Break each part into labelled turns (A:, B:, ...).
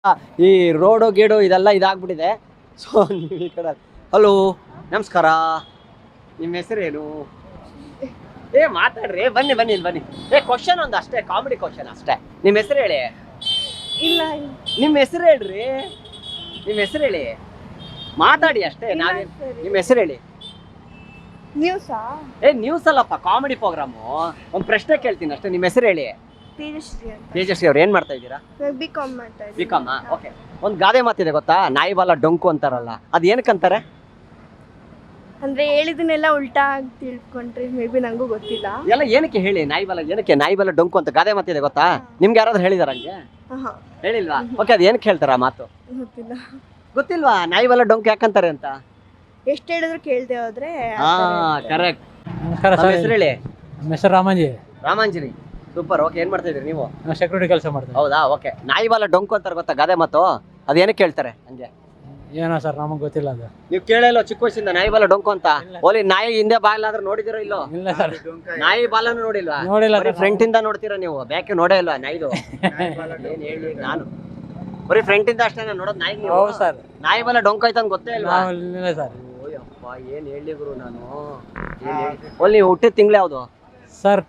A: ಈ ರೋಡು ಗೀಡು ಇದೆಲ್ಲ ಇದಾಗ್ಬಿಟ್ಟಿದೆ. ಸೊ ನೀವು ಈ ಕಡೆ ಹಲೋ ನಮಸ್ಕಾರ, ನಿಮ್ಮ ಹೆಸರೇನು? ಮಾತಾಡ್ರಿ, ಬನ್ನಿ ಬನ್ನಿ ಇಲ್ಲಿ ಬನ್ನಿ. ಕ್ವಶನ್ ಒಂದು ಅಷ್ಟೇ, ಕಾಮಿಡಿ ಕ್ವಶನ್ ಅಷ್ಟೇ. ನಿಮ್ಮ ಹೆಸರು ಹೇಳಿ.
B: ಇಲ್ಲ
A: ನಿಮ್ಮ ಹೆಸರು ಹೇಳ್ರಿ, ನಿಮ್ಮ ಹೆಸರು ಹೇಳಿ, ಮಾತಾಡಿ ಅಷ್ಟೇ. ನಾವೇ ನಿಮ್ಮ ಹೆಸರು ಹೇಳಿ.
B: ನ್ಯೂಸಾ?
A: ನ್ಯೂಸ್ ಅಲ್ಲಪ್ಪ, ಕಾಮಿಡಿ ಪ್ರೋಗ್ರಾಮು. ಒಂದು ಪ್ರಶ್ನೆ ಕೇಳ್ತೀನಿ ಅಷ್ಟೇ. ನಿಮ್ಮ ಹೆಸರು ಹೇಳಿ.
B: ತೇಜಸ್ವಿ ಅಂತ.
A: ತೇಜಸ್ವಿ ಅವ್ರು ಏನ್ ಮಾಡ್ತಾ ಇದ್ದೀರಾ?
B: ಬಿಕಾಮ್ ಮಾಡ್ತಾ ಇದ್ದೀನಿ.
A: ಬಿಕಾಮ್. ಓಕೆ. ಒಂದು ಗಾದೆ ಮಾತಿದೆ ಗೊತ್ತಾ, ನಾಯಿ ಬಾಲ ಡೊಂಕು ಅಂತಾರಲ್ಲ, ಅದು ಏನಕ್ಕಂತಾರೆ?
B: ಅಂದ್ರೆ ಹೇಳಿದನ್ನೆಲ್ಲ ಉಲ್ಟಾ ತಿಳ್ಕೊಂಡ್ರೆ ಮೇ ಬಿ ನಂಗೂ ಗೊತ್ತಿಲ್ಲ.
A: ಎಲ್ಲ ಏನಕ್ಕೆ ಹೇಳಿ, ನಾಯಿ ಬಾಲ ಏನಕ್ಕೆ ನಾಯಿ ಬಾಲ ಡೊಂಕು ಅಂತ ಗಾದೆ ಮಾತಿದೆ ಗೊತ್ತಾ? ನಿಮ್ಗೆ ಯಾರಾದ್ರೂ ಹೇಳಿದಾರ ಹಂಗೆ? ಹೇಳಿಲ್ವಾ? ಓಕೆ, ಅದು ಏನಕ್ಕೆ ಹೇಳ್ತಾರ ಮಾತು?
B: ಗೊತ್ತಿಲ್ಲ.
A: ಗೊತ್ತಿಲ್ವಾ ನಾಯಿ ಬಾಲ ಡೊಂಕು ಯಾಕಂತಾರೆ ಅಂತ?
B: ಎಷ್ಟು ಹೇಳಿದ್ರು ಕೇಳ್ದೆ ಹೋದ್ರೆ
A: ಕರೆಕ್ಟ್.
C: ನಮಸ್ಕಾರ
A: ನಮ್ಮ ಹೆಸರು ಹೇಳಿ.
C: ನಮ್ಮ ಹೆಸರು ರಾಮಂಜಿ.
A: ರಾಮಾಂಜನಿ. ಸೂಪರ್. ಓಕೆ, ಏನ್ ಮಾಡ್ತಾ ಇದೀರಿ ನೀವು?
C: ನಾವು ಸೆಕ್ಯೂರಿಟಿ ಕೆಲಸ ಮಾಡ್ತೀವಿ.
A: ಹೌದಾ? ಓಕೆ. ನಾಯಿ ಬಾಲ ಡೊಂಕು ಅಂತಾರೆ ಗೊತ್ತಾ ಗಾದೆ ಮಾತು? ಅದು ಏನಕ್ಕೆ ಹೇಳ್ತಾರೆ ಹಂಗೆ?
C: ಏನೋ ಸರ್ ನಮಗೆ ಗೊತ್ತಿಲ್ಲ ಅದು.
A: ನೀವು ಕೇಳಲ್ಲ ಚಿಕ್ಕ ವಯಸ್ಸಿಂದ ನಾಯಿ ಬಾಲ ಡೊಂಕು ಅಂತ? ಓಲಿ ನಾಯಿ ಹಿಂದೆ ಬಾಲಾದ್ರೂ ನೋಡಿದಿರೋ ಇಲ್ಲೋ?
C: ಇಲ್ಲ ಸರ್,
A: ನಾಯಿ ಬಾಲನು ನೋಡಿಲ್ವಾ?
C: ನೋಡಿಲ್ಲ.
A: ಫ್ರಂಟ್ ಇಂದ ನೋಡ್ತೀರಾ ನೀವು, ಬ್ಯಾಕೆ ನೋಡೇ ಇಲ್ವಾ ನಾಯಿದು? ಏನ್ ಹೇಳಿ ನಾನು ಬರೀ ಫ್ರಂಟ್ ಇಂದ ಅಷ್ಟೇ ನೋಡೋದು ನಾಯಿ.
C: ಹೌದು ಸರ್.
A: ನಾಯಿ ಬಾಲ ಡೊಂಕ ಆಯ್ತು ಅಂತ ಗೊತ್ತೇ ಇಲ್ವಾ?
C: ಇಲ್ಲ ಸರ್.
A: ಓಯಪ್ಪ, ಏನ್ ಹೇಳಿ ಗುರು ನಾನು. ಓಲಿ ನೀವು ಹುಟ್ಟಿದ ತಿಂಗಳು ಯಾವುದು
C: ಸರ್?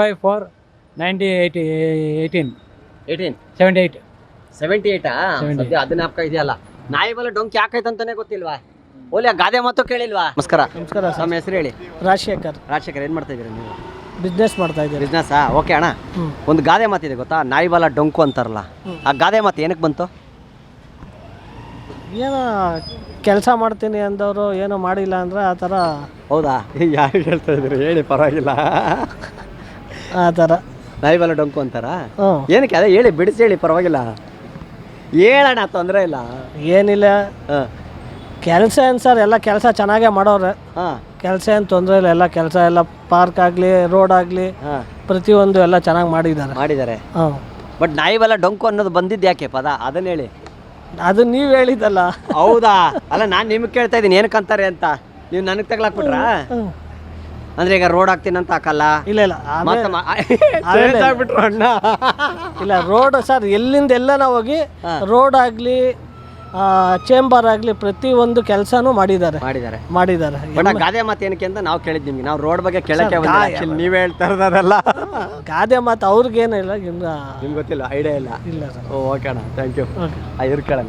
C: 25/4/1918. 78.
A: 78 ಸದ್ಯ ಅದನ್ನ ಹಾಕ ಇದೆಯಲ್ಲ. ನಾಯಿ ಬಾಲ ಡೊಂಕ್ ಯಾಕಾಯ್ತು ಅಂತಾನೆ ಗೊತ್ತಿಲ್ವಾ? ಓಲಿ ಆ ಗಾದೆ ಮಾತು ಕೇಳಿಲ್ವಾ? ನಮಸ್ಕಾರ.
D: ನಮಸ್ಕಾರ.
A: ನಮ್ಮ ಹೆಸರು ಹೇಳಿ.
D: ರಾಜಶೇಖರ್.
A: ರಾಜಶೇಖರ್, ಏನ್ ಮಾಡ್ತಾ ಇದೀರಾ ನೀವು?
D: ಬಿಸ್ನೆಸ್ ಮಾಡ್ತಾ ಇದ್ದೀರಿ.
A: ಬಿಸ್ನೆಸ್. ಓಕೆ ಅಣ್ಣ, ಒಂದು ಗಾದೆ ಮಾತಿದೆ ಗೊತ್ತಾ, ನಾಯಿ ಬಾಲ ಡೊಂಕು ಅಂತಾರಲ್ಲ, ಆ ಗಾದೆ ಮಾತು ಏನಕ್ಕೆ ಬಂತು?
D: ಏನೋ ಕೆಲಸ ಮಾಡ್ತೀನಿ ಅಂದವರು ಏನೋ ಮಾಡಿಲ್ಲ ಅಂದ್ರೆ ಆ ಥರ.
A: ಹೌದಾ? ಯಾರು ಹೇಳ್ತಾ ಇದ್ರಿ ಹೇಳಿ, ಪರವಾಗಿಲ್ಲ.
D: ಆ ಥರ
A: ನಾಯಿ ಬಾಲ ಡೊಂಕು ಅಂತಾರ?
D: ಹ್ಞೂ.
A: ಏನಕ್ಕೆ? ಅದೇ ಹೇಳಿ, ಬಿಡಿಸಿ ಹೇಳಿ, ಪರವಾಗಿಲ್ಲ, ಹೇಳೋಣ, ತೊಂದರೆ ಇಲ್ಲ.
D: ಏನಿಲ್ಲ, ಕೆಲಸ ಏನು ಸರ್, ಎಲ್ಲ ಕೆಲಸ ಚೆನ್ನಾಗೇ ಮಾಡೋರೆ.
A: ಹಾಂ,
D: ಕೆಲಸ ಏನು ತೊಂದರೆ ಇಲ್ಲ, ಎಲ್ಲ ಕೆಲಸ ಎಲ್ಲ ಪಾರ್ಕ್ ಆಗಲಿ ರೋಡ್ ಆಗಲಿ
A: ಹಾಂ,
D: ಪ್ರತಿಯೊಂದು ಎಲ್ಲ ಚೆನ್ನಾಗಿ ಮಾಡಿದ್ದಾರೆ. ಹ್ಞೂ.
A: ಬಟ್ ನಾಯಿ ಬಾಲ ಡೊಂಕು ಅನ್ನೋದು ಬಂದಿದ್ದು ಯಾಕೆ ಪದ? ಅದನ್ನ ಹೇಳಿ.
D: ಅದು ನೀವು ಹೇಳಿದ್ದಲ್ಲ.
A: ಹೌದಾ? ಅಲ್ಲ, ನಾನು ನಿಮ್ಗೆ ಕೇಳ್ತಾ ಇದ್ದೀನಿ ಏನಕ್ಕಂತಾರೆ ಅಂತ. ನೀವು ನನಗೆ ತಗ್ಲಾಕ್ಬಿಟ್ರಾ? ಅಂದ್ರೆ ಈಗ ರೋಡ್ ಹಾಕ್ತೀನಿ ಅಂತ ಹಾಕಲ್ಲ?
D: ಇಲ್ಲ ಇಲ್ಲ,
A: ಬಿಟ್ರು ಅಣ್ಣ.
D: ಇಲ್ಲ, ರೋಡ್ ಸರ್ ಎಲ್ಲಿಂದ ಎಲ್ಲ ಹೋಗಿ ರೋಡ್ ಆಗಲಿ ಚೇಂಬರ್ ಆಗಲಿ ಪ್ರತಿಯೊಂದು ಕೆಲಸನೂ ಮಾಡಿದ್ದಾರೆ.
A: ಬಟ್ ಆ ಗಾದೆ ಮಾತು ಏನಕ್ಕೆ ಅಂತ ನಾವು ಕೇಳಿದ್ ನಿಮ್ಗೆ. ನಾವು ರೋಡ್ ಬಗ್ಗೆ ಕೇಳಕ್ಕೆ ನೀವೇ ಹೇಳ್ತಾ ಇರೋದಲ್ಲ.
D: ಗಾದೆ ಮಾತು ಅವ್ರಿಗೇನಿಲ್ಲ,
A: ನಿಮ್ಗೆ ಗೊತ್ತಿಲ್ಲ, ಐಡಿಯಾ ಇಲ್ಲ.
D: ಇಲ್ಲ ಸರ್.
A: ಓಕೆ ಅಣ್ಣ, ಥ್ಯಾಂಕ್ ಯು. ಇವ್ರು ಕೇಳೋಣ.